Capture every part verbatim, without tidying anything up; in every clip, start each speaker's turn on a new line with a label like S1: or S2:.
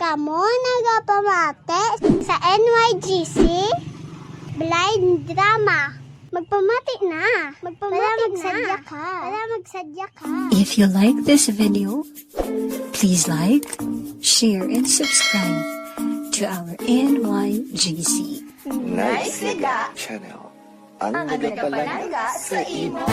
S1: Kamo nagapamate sa N Y G C Blind Drama. Magpamati na. Magpamati Para magsadya na. ka. Para magsadya ka.
S2: If you like this video, please like, share, and subscribe to our N Y G C
S3: Nice Liga Channel. Ang nagapalaga sa imo.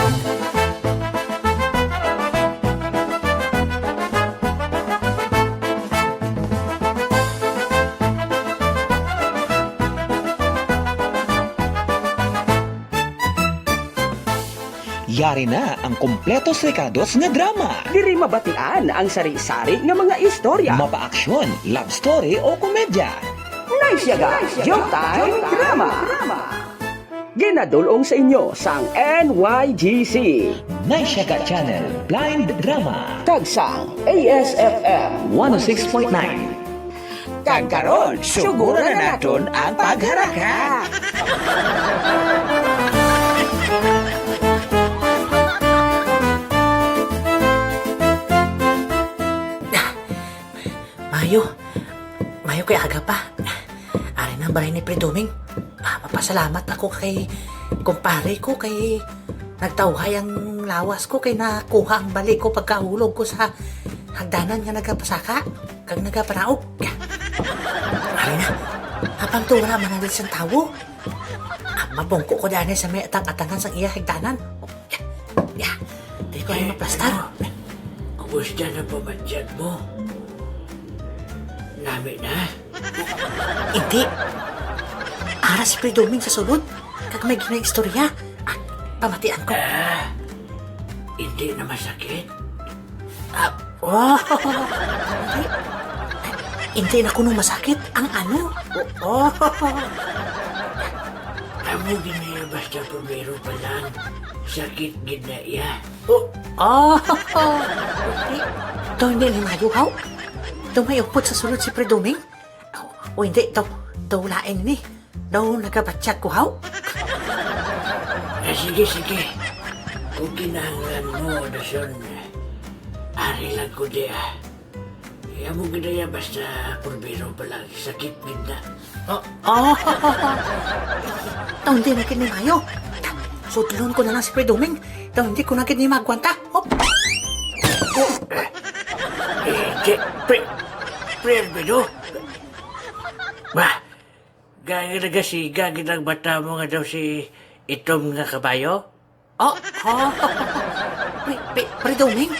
S4: Yari na ang kompletos rekados nga drama.
S5: Diri mabatian ang sari-sari nga mga istorya.
S4: Mapa-aksyon, love story o komedya.
S5: Nice yaga, Showtime Drama. Ginadulong sa inyo sang N Y G C.
S4: Naisyaga Channel, Blind Drama.
S5: Tagsang A S F M
S4: one oh six point nine. Kagkaroon, suguro na naton ang pagharaka.
S6: Mayo, mayo kay aga pa. Ari na baray ni Predoming. Ah, mapasalamat ako kay kumpare ko kay nagtawhay ang lawas ko kay nakuha ang balik ko pagkahulog ko sa hagdanan nga nagapasaka kag nagapanaog. Ari na, habang tura manalit sa tawo. Ah, mabungko ko daan sa may atang-atangan sang iya hagdanan. Ya, di ko ay maplastar.
S7: Kumusta na pa mandiyan mo? Nami na?
S6: Hindi. Ara si Predoming sa sulod. Kag may ginaistorya. Ah, pamatian ko.
S7: Ah, hindi na masakit?
S6: Ah, oh, hindi. Hindi na kuno masakit. Ang ano? Oh,
S7: Amo ginaya basta pumero pa lang. Sakit ginaya.
S6: oh, oh. Hindi. Ito hindi ni mayuhaw. Ito may upot sa sulod si Predoming. O oh, hindi. Ito, ito lain ni. Daw nagabatsyag ko haw.
S7: Ah, sige, sige. Kung kinahanglan mo, Dason, ari lang ko di ah. Kaya mo ginaya basta pumero pa lang. Sakit gina.
S6: Oh, oh. Ito hindi na kini mayo. Sudlon ko na lang si Predoming. Ito hindi ko na kini magwanta. Oh. Oh.
S7: Eh, di, pre, pre, Albedo. Ba, gagi na kasi, gagi lang bata mo nga daw si itom nga kabayo?
S6: Oh, oh. Pre, pre, Predoming.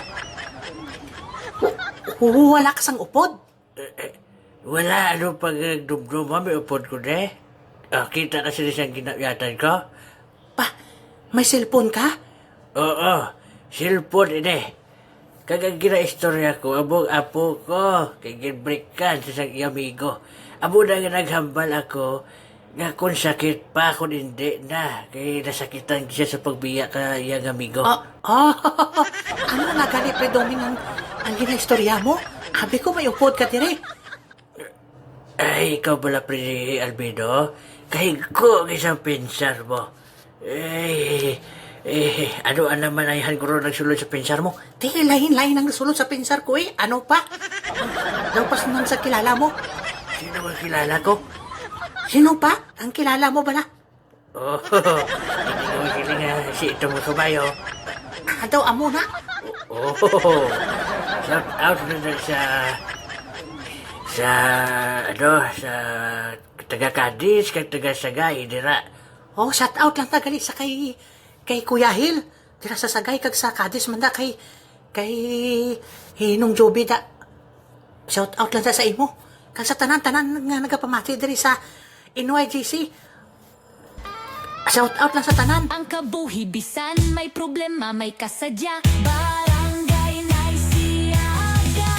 S6: W- wala ka sang upod.
S7: Eh, eh, wala, ano pag nagdumdum mo, may upod ko na eh. Ah, kita kasi na siyang ginapyatan ko?
S6: Pa, may cellphone ka?
S7: Oo, cellphone ini. Kagang gina-istorya ko, abong apo ko, kay ginbreakan sa isang amigo. Abo na nga naghambal ako, nga kung sakit pa, kung hindi na, kay nasakitan siya sa pagbiya ka iyang amigo.
S6: Oh, oh. Ano nga gali, Predoming, ang, ang ginaistorya mo? Abi ko may upod ka dire.
S7: Ay, ikaw pala, Pre Albedo, kahig ko isang pinsar mo. Eh, eh, ano ang naman ayahan ko rin nagsulod sa pinsar mo?
S6: Di, lain-lain ang sulod sa pinsar ko eh. Ano pa? Daw pas nang sa kilala mo.
S7: Sino ba kilala ko?
S6: Sino pa? Ang kilala mo ba na?
S7: Oh, hindi ko makiling nga si itong mga kabayo.
S6: Ah, daw amo na.
S7: Oh, shout out na na sa sa ano sa taga Cadiz kag taga Sagay dira.
S6: Oh, shout out lang tagali sa kay kay Kuya Hil. Dira sa Sagay kag sa Cadiz man da kay kay Hinong Joby da. Shout out lang ta sa imo. Kag sa tanan-tanan nga nagapamati diri sa N Y G C. Shout out lang sa tanan.
S8: Ang kabuhi bisan may problema may kasadya. Barangay Naisiaga,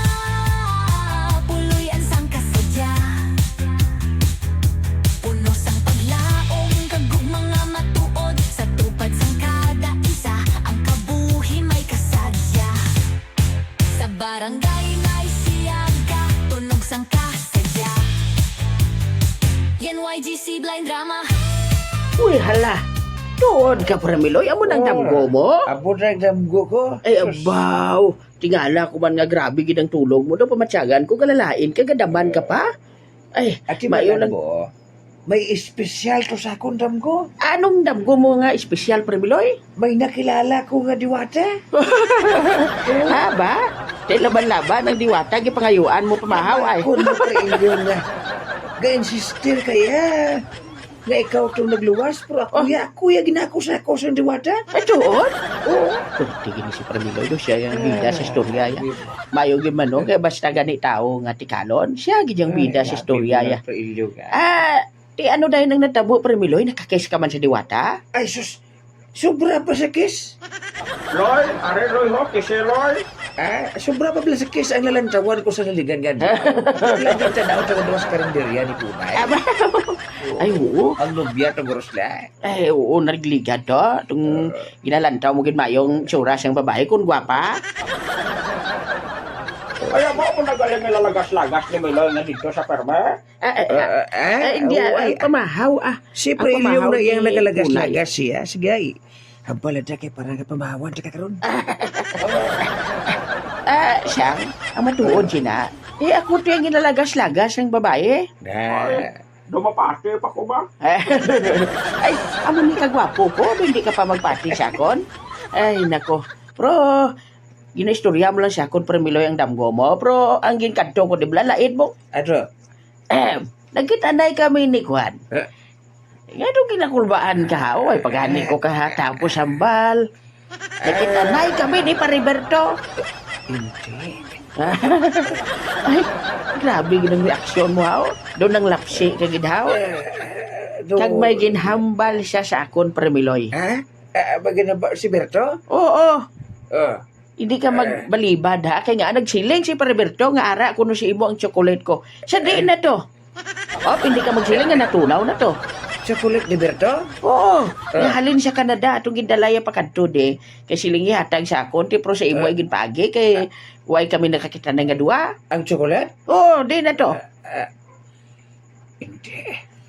S8: puloy ang sang kasadya. Puno sang paglaong kagug mga matuod sa tupad sang kada isa. Ang kabuhi may kasadya. Sa barangay Naisiaga, tunog sang kasadya. N Y G C Blind Drama.
S5: Uy, hala. Tuod ka, Pramiloy. Amo nang damgo mo?
S3: Abo na damgo ko.
S5: Ay, abaw. tingala ko man nga grabe gid ang tulog mo do pamatyagan ko kalalain kagadaman ka pa. Ay,
S4: At
S5: mayo
S4: imalan
S5: lang.
S4: mo, may espesyal to sa akong damgo.
S5: Anong damgo mo nga espesyal Premiloy?
S4: May nakilala ko nga diwata.
S5: Ha ba? Di laban-laban ang diwata gipangayuan mo pamahaw ay.
S4: Ako na pa inyo nga. Ga-insister kaya. Nga ikaw itong nagluwas, pero ako ya, kuya ginako sa ako sa diwata.
S5: Ay, tuon? Oo. Tigin ni si Premiloy do siya yung bida sa istorya ya. Mayo gyud man no kay basta gani tao nga tikalon, siya gid yung bida sa istorya ya.
S4: Pa inyo nga.
S5: Ah, ti ano dahil nang natabo Premiloy nakakis ka man sa diwata?
S4: Ay, sus. Sobra pa sa kiss.
S5: Loy, are Loy ho, kisi Loy.
S4: Ah, sobra pa pala sa kiss ang lalantawan ko sa naligan nga. Lagi tanaw sa kaduwas karinderya ni Tunay.
S5: Aba. Ay, oo.
S4: Ang nobya to gorosla.
S5: Ay, oo, nagliga to. Itong ginalantaw mo gid mayong tsura siyang babae kung gwapa.
S9: Kaya mo kung nagaling nilalagas-lagas ni Miloy na dito sa perme?
S5: Ah, ah, ah, ah, hindi,
S4: oo,
S5: ah,
S4: ay,
S5: pamahaw, ah.
S4: Si
S5: Ang
S4: Prelio
S5: pamahaw
S4: na
S5: ni
S4: iyang nagalagas-lagas
S5: Tunay.
S4: siya. Sige ay. Ang palad kay parang pamahawan sa kakaroon.
S5: Ah, siyang, ang matuod siya na. Eh, ako to yung ginalagas-lagas ng babae.
S4: Na.
S9: Dumapati pa ko ba?
S5: Ay, amo ni kagwapo ko, hindi ka pa magpati sa akon. Ay, nako. Pero, ginaistorya mo lang sa akon, Premiloy, ang damgo mo. Pero, ang ginkanto ko, di ba, laid mo.
S4: Ano?
S5: Eh, nagkitanay kami ni Juan.
S4: Eh?
S5: Nga doon kinakulbaan ka, o ay paghani ko ka tapos sambal. Nagkitanay kami ni Pariberto.
S4: Hindi.
S5: Ay, grabe ginang reaksyon mo, ha? Doon ang lapsi ka gidhaw.
S4: Do...
S5: Kag may ginhambal siya sa akon, Premiloy.
S4: Ha? Ah, bagay na ba si Berto?
S5: Oo,
S4: Oh.
S5: hindi ka magbalibad, ha? Kaya nga, nagsiling si Pariberto nga ara kuno si imo ang chocolate ko. Sa diin na to. Oh, hindi ka magsiling nga natunaw na to.
S4: Chocolate ni Berto?
S5: Oo, nahalin sa Canada atong gidalaya pa kadto de. Kay silingi hatag sa akon ti pro sa imo ay ginpaagi kay way kami nakakita na nga duwa.
S4: Ang chocolate?
S5: Oo, di na to.
S4: Hindi.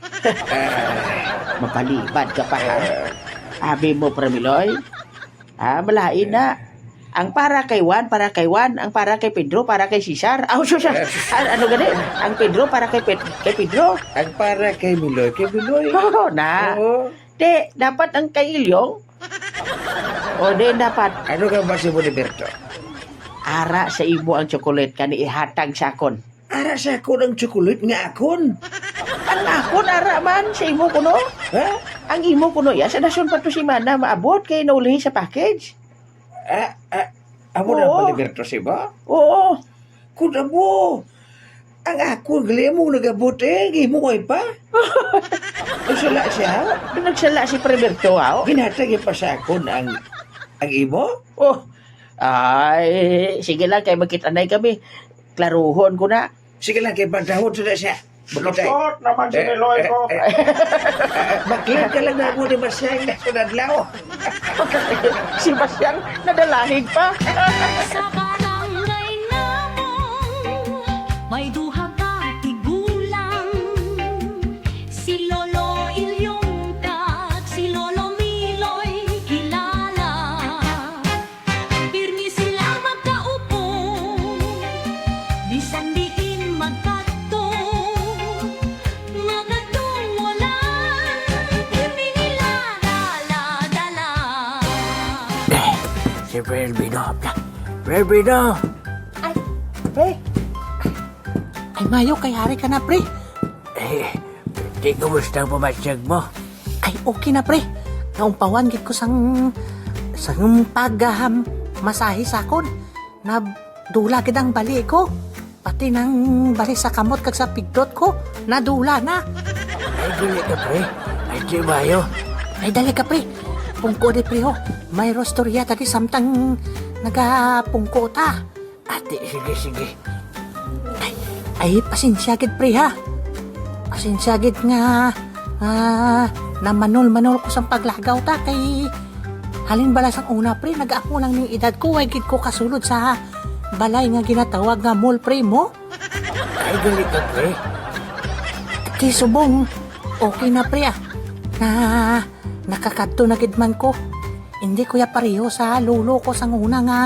S5: Mapalibad ka pa ha. Abi mo Premiloy. Ah, malain na. Ang para kay Juan, para kay Juan. Ang para kay Pedro, para kay Cesar. Ah, so siya. Ano gani? Ang Pedro para kay, Ped- kay Pedro.
S4: Ang para kay Miloy, kay Miloy.
S5: Oo, na.
S4: Oo.
S5: De, dapat ang kay Ilyong. O, de, dapat.
S4: Ano ka ba si mo ni Berto?
S5: Ara sa imo ang chocolate kani ihatag sa akon.
S4: Ara sa ako ng chocolate nga akon.
S5: Ang akon ara man sa imo kuno.
S4: Ha?
S5: Ang imo kuno ya sa dason pa to si mana maabot kay naulihi sa package.
S4: Ah, ah, amo na
S5: Oo.
S4: ba ni Berto si ba?
S5: Oo.
S4: Kuda mo. Ang ako, gali mo nagabot eh. Gimo ko pa. Usala siya.
S5: Nagsala si Preberto ha.
S4: Ginatag pa sa akon ang ang imo.
S5: Oh. Ay, sige lang kay magkitanay kami. Klaruhon ko na.
S4: Sige lang kay pantahon sa siya. Bakit?
S9: Lusot naman si Miloy ko.
S4: Bakit ka lang na mo ni Masyang na sunadlaw?
S5: Si Basyang nadalahig pa.
S8: Sa barangay namon, may duha ka tigulang. Si Lolo Ilyong kag si Lolo Miloy kilala. Pirmi sila magkaupo, bisan diin magkadto. Mga tungwalan, pirmi nila dala-dala.
S7: Si Prelbino. Prelbino!
S6: Ay, pre. Ay, mayo, kay hari ka na, pre.
S7: Eh, di kumusta ang pamasyag mo?
S6: Ay, okay na, pre. Naumpawan, git ko sang... sang paghaham masahe sa akon. Na dula gid ang bali ko. Pati nang bali sa kamot kag sa pigdot ko. Nadula na.
S7: Ay, dili ka, pre. Ay, di mayo.
S6: Ay, dali ka, pre. Pungko di, pre, ho. May rostorya tadi samtang nagapungko ta.
S7: Ate, sige, sige.
S6: Ay, ay pasensya gid, pre, ha. Pasensya gid nga ah, na manol-manol ko sa paglagaw ta kay halin bala sang una, pre. Nag-ako lang ning edad ko. Way gid ko kasulod sa balay nga ginatawag nga mall, pre, mo.
S7: Ay, dili ka, pre.
S6: Kay subong, okay na, pre, ah. Na nakakadto na gid man ko. Hindi ko ya pareho sa lulo ko sang una nga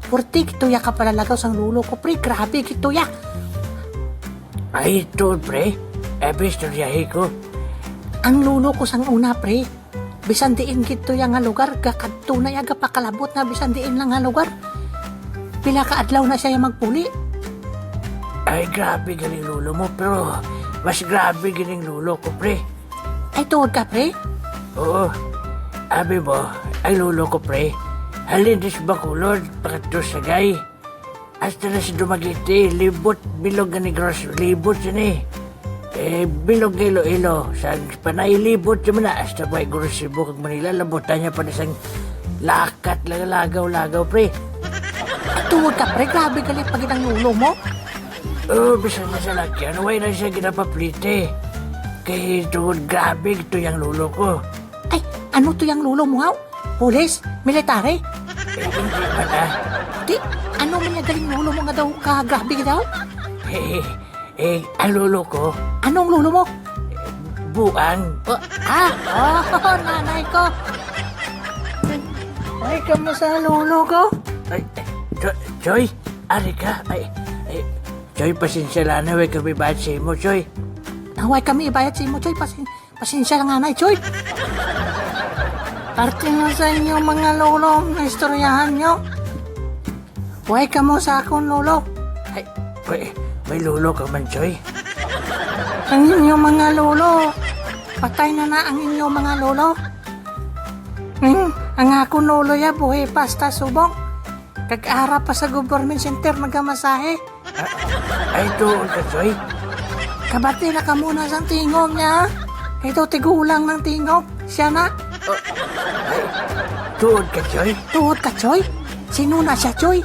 S6: Purti, kituya ka pala lagaw sang lulo ko, pre. Grabe, kituya.
S7: Ay, ito, pre. Ebe, istoryahe ko.
S6: Ang lulo ko sang una, pre. Bisan diin kituya nga lugar, kakadtunay aga pakalabot na bisan diin lang nga lugar. Pila ka adlaw na siya magpuli.
S7: Ay, grabe galing lulo mo, pero mas grabe galing lulo ko, pre.
S6: Ay, tuod ka, pre.
S7: Oo. Abi mo, ang lulo ko, pre. Halin dis Bacolod, pakato sa gay. Hasta na si Dumagiti, libot, bilog nga ni Gross, libot siya ni. Eh, bilog ilo-ilo, sa panay libot siya na, hasta ba Gross Cebu kag Manila, labutan niya pa na sang lakat, lagaw-lagaw, pre.
S6: Ay, tuod ka, pre. Grabe galit pag ang lulo mo.
S7: Oo, bisan na sa lakyan, way na siya ginapaplite. Kaya tuod grabe ito yung lulo ko.
S6: Ay, ano to yung lulo mo, haw? Pulis? Military?
S7: Eh, hindi pa na.
S6: Di, ano man yung galing lulo mo nga daw ka grabe ka daw?
S7: Eh, eh, ang lulo ko,
S6: Anong lulo mo?
S7: buang.
S6: Oh, ah, oh, nanay ko. Ay, kamusta lulo ko?
S7: Ay, eh, Jo- Joy, ari ka. Ay, ay, Joy, pasensya lang na, way kami bad sa mo, Joy.
S6: Naway kami ibayad sa imo, Choy. Pasin, pasensya lang nanay, Choy. Parte na sa inyo mga lolo na istoryahan nyo. Huwag ka mo sa akong lolo.
S7: Ay, may, may lulo ka man, Joy.
S6: Ang inyong mga lolo. Patay na na ang inyong mga lolo. Hmm, ang akong lolo ya buhay pasta subong. Kag-ara pa sa government center magamasahe.
S7: Ay, doon ka, Joy.
S6: Kabati na ka muna sa tingog niya. Ito tigulang ng tingog. Siya na.
S7: Doon ka, Joy.
S6: Tuod ka, Choy. Sino na siya, Choy?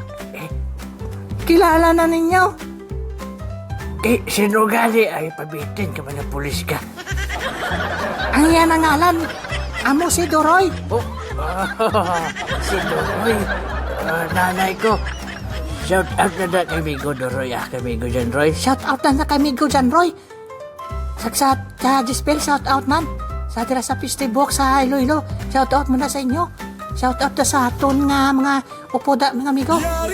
S6: Kilala na ninyo.
S7: Eh, sino gali? Ay, pabitin ka man ng pulis ka.
S6: Ang yan ang ngalan. Amo si Doroy.
S7: Oh, si Doroy. Ah, nanay ko. Shout out na na kay Migo Doroy. Ah, kay Migo dyan, Roy.
S6: Shout out na na kay Migo dyan, Roy. Sagsat, sa Dispel, shout out man. Sa tira sa Pistibok, sa Iloilo. Shout out mo na sa inyo. Shout out na sa aton nga mga upoda, mga amigo.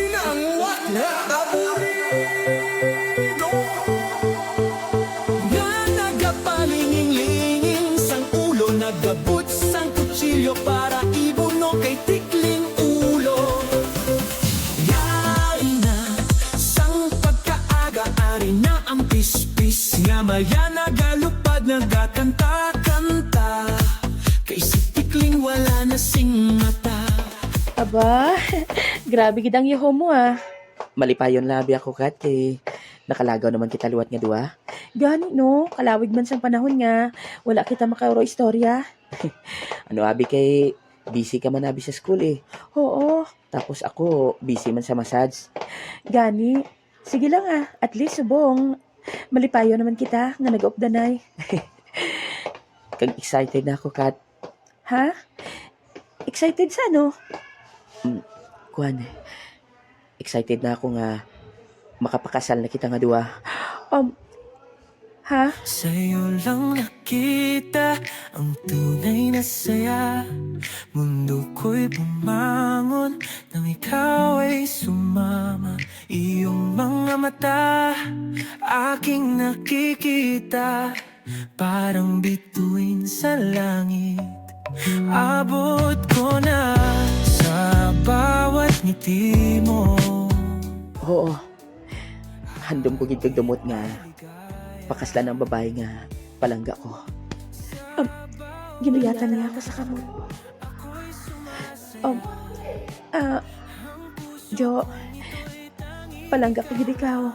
S8: Nga nagapalinging-linging sang ulo, nagabot sang kutsilyo para ibuno kay tikling ulo. Yari na sang pagkaaga, ari na ang pispis nga maya nagalupad, nagakanta-kanta kay si tikling wala na sing mata.
S10: Aba, grabe gidang yuho mo ah.
S5: Malipayon labi ako kat kay nakalagaw naman kita luwat nga duwa.
S10: Gani no, kalawig man sang panahon nga, wala kita makauro istorya.
S5: Ano abi kay busy ka man abi sa school eh.
S10: Oo,
S5: Tapos ako busy man sa massage.
S10: gani. Sige lang ah, at least subong. Malipayo naman kita nga nag-updanay.
S5: Kag excited na ako kat.
S10: Ha? Excited sa ano?
S5: Kuan. Excited na ako nga makapakasal na kita nga duwa.
S10: Um, ha?
S8: Sa'yo lang nakita ang tunay na saya. Mundo ko'y bumangon nang ikaw ay sumama. Iyong mga mata aking nakikita, parang bituin sa langit. Abot ko na sa bawat ngiti mo.
S5: Oo. Handom ko gid kag dumot nga pakaslan ang babae nga palangga ko.
S10: Ginuyatan niya ako sa kamot. Um, ah, Jo, palangga ko gid ikaw.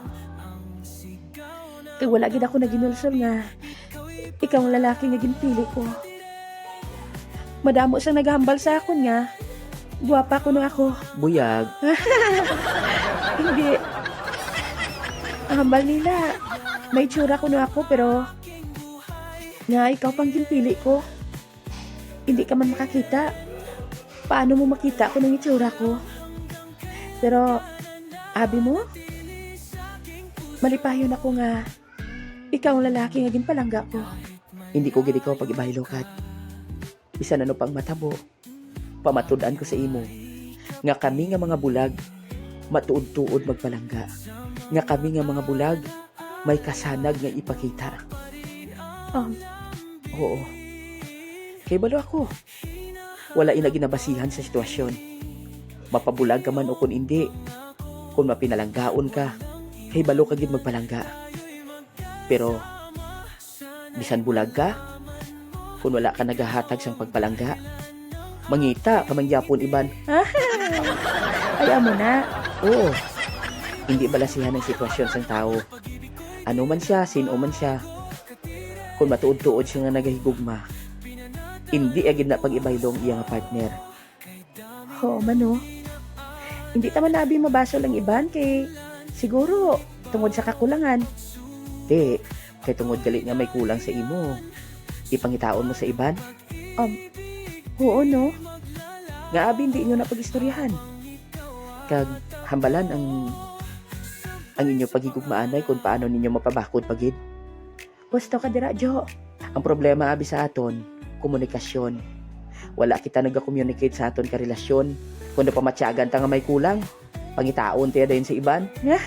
S10: Kay wala gid ako naginulsol nga ikaw ang lalaki nga ginpili ko. Madamo siyang naghambal sa akon nga guwapa ko no ako.
S5: Buyag.
S10: Hindi. Ang hambal nila, may tsura ko no ako pero nga ikaw pang ginpili ko. Hindi ka man makakita. Paano mo makita kung ang itsura ko? Pero, abi mo, malipayon ako nga ikaw ang lalaki nga ginpalangga ko.
S5: Hindi ko gid ikaw pag-ibahilo kat. Bisan ano pang matabo. Pamatud-an ko sa imo. Nga kami nga mga bulag, matuod-tuod magpalangga. Nga kami nga mga bulag, may kasanag nga ipakita.
S10: Um,
S5: Oo. Kay balo ako. Wala ina ginabasihan sa sitwasyon. Mapabulag ka man o kung hindi. Kung mapinalanggaon ka, kay balo ka gid magpalangga. Pero, bisan bulag ka, kung wala ka nagahatag sang pagpalangga, mangita ka mangyapon iban.
S10: Ay, amo na.
S5: Oo. Hindi balasihan ang sitwasyon sang tao. Ano man siya, sino man siya. Kung matuod-tuod siya nga nagahigugma, hindi agad na pag-ibaylong iya nga partner.
S10: Oo, mano. Hindi taman nabi mabaso lang iban kay siguro tungod sa kakulangan.
S5: Di, kay tungod gali nga may kulang sa imo. Ipangitaon mo sa iban?
S10: Um, oo, no?
S5: Nga abi hindi inyo na pag-istoryahan. Kag hambalan ang ang inyo pagigugmaanay kung paano ninyo mapabakod pagid.
S10: Gusto ka dira, Jo.
S5: Ang problema abi sa aton, komunikasyon. Wala kita nag-communicate sa aton karelasyon. Kung napamatyagan ta nga may kulang, pangitaon tiya dayon sa iban.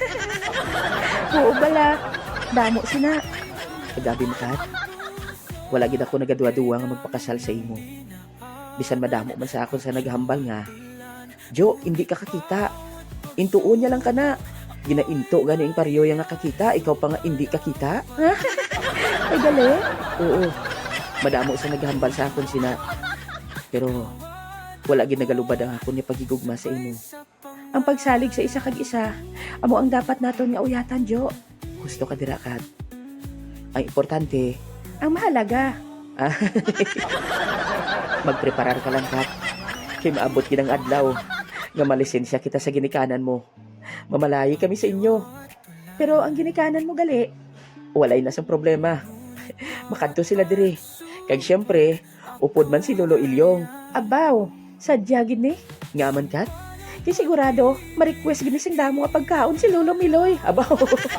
S10: Oo bala. Damo sina.
S5: Kagabi mo kat, wala gid ako nagadua-duwa nga magpakasal sa imo. Bisan madamo man sa akon sa naghambal nga, Jo, hindi ka kakita. Intuon niya lang ka na. Ginainto gani ang pariyo yang nakakita, ikaw pa nga hindi kakita.
S10: Ay, gali.
S5: Oo. Madamo sa naghambal sa akon sina. Pero wala gid nagalubad ang akon ni pagigugma sa imo.
S10: Ang pagsalig sa isa kag isa, amo ang dapat naton nga uyatan, Jo.
S5: Gusto ka dira kat. Ang importante,
S10: Ang mahalaga.
S5: magpreparar ka lang kat. Kay maabot kinang adlaw nga malisensya kita sa ginikanan mo. Mamalayi kami sa inyo.
S10: Pero ang ginikanan mo gali,
S5: Walay na sa problema. Makanto sila diri. Kag syempre, upod man si Lolo Ilyong.
S10: abaw, sadya gid ni.
S5: Nga man kat?
S10: Di sigurado, ma-request gid ni sing damo nga pagkaon si Lolo Miloy.
S5: Abaw.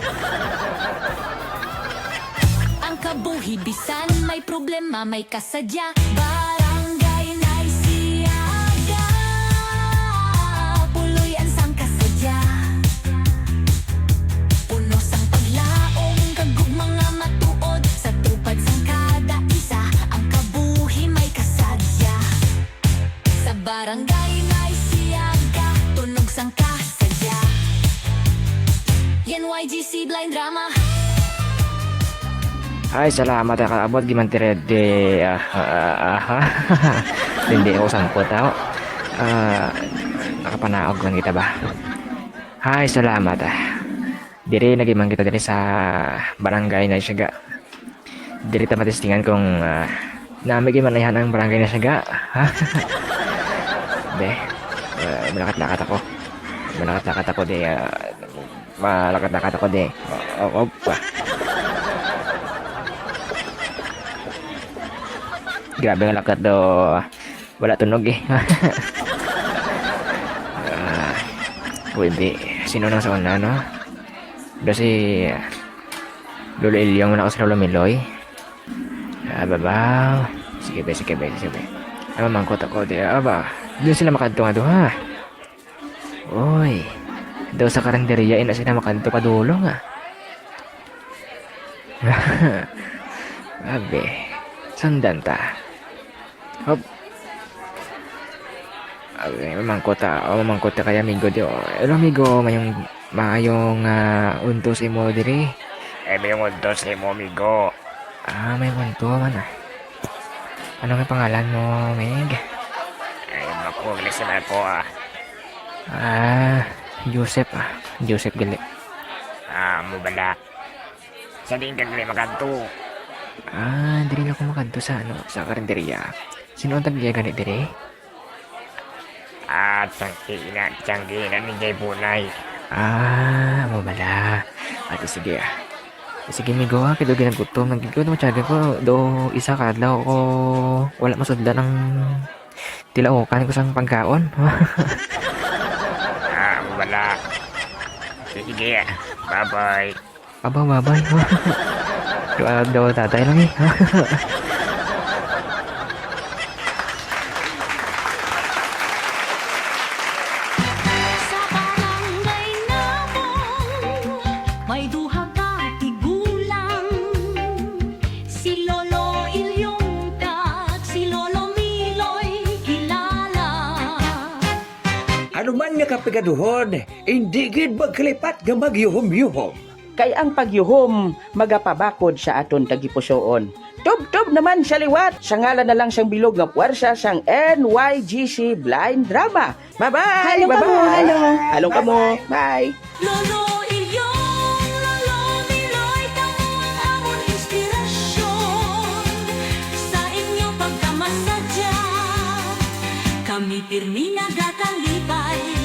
S8: Ang kabuhi bisan may problema, may kasadya. Barangay Naisiaga, puloy ang sang kasadya. Puno sang paglaong kagug mga matuod, sa tupad sang kada isa. Ang kabuhi may kasadya. Sa barangay Naisiaga, tunog sang kasadya. N Y G C Blind Drama.
S11: Ay, salamat ka abot giman tirede. Ah, ah, ah, hindi ako sangkot ako. Ah, nakapanaog lang kita ba? Ay, salamat ah. Diri nagiman kita diri sa barangay na Siaga. Diri ta matistingan kung uh, nami giman yan ang barangay na Siaga. Ha? De, uh, malakat-lakat ako. Malakat-lakat ako de. Uh, malakat-lakat ako de. Oh, oh, oh. Grabe ang lakat do. Wala tunog eh. uh, Pwede. Sino nang sa una, no? Do si Lolo Ilyong mo na ako sa Lolo Miloy. Ah, babaw. Sige be, sige be, sige be. Ay, mamangkot ako. Di, aba. Doon sila makadto nga do, ha? Uy. Daw sa karinderya, ina sila makadto pa dulo nga. Abe. Sundan ta. Hop. Ay, mamangkot ta. O, mamangkot ta kaya amigo di. Pero amigo, mayong mayong uh, untos imo diri.
S9: Eh, may untos imo, amigo.
S11: Ah, may unto man ah. Ano nga pangalan mo, Meg?
S9: Ay, naku, listen ako ah.
S11: Ah, Joseph ah. Joseph gali.
S9: Ah, mo bala. Sa din ka gali makanto.
S11: Ah, diri lang ko makadto sa ano, sa karinderya. Sino ang tagiya ganit diri?
S9: Ah, tangkina, tangkina ni Jay Bunay.
S11: Ah, mo bala. Ate sige ah. Sige migo ah, kaya ginagutom. Nagkikot mo tiyaga ko. Do isa ka daw ko. Wala masudlan ng tilaukan ko sang pagkaon.
S9: Ah, mo bala. Sige, bye-bye.
S11: Aba, babay. Doa daw tatay lang eh.
S4: Human nga kapigaduhon, hindi gid magkalipat nga magyuhom-yuhom.
S5: Kay ang pagyuhom magapabakod sa aton tagipusoon. Tub-tub naman sa liwat, sa ngalan na lang siyang bilog nga puwersa siyang N Y G C Blind Drama. Bye-bye!
S10: Halo ka mo,
S5: Bye-bye!
S10: halo.
S5: Halo ka mo! Bye!
S8: Lolo iyong, lolo niloy, kamo ang amon inspirasyon. Sa inyo pagkamasadya, kami pirmi nagakalipay.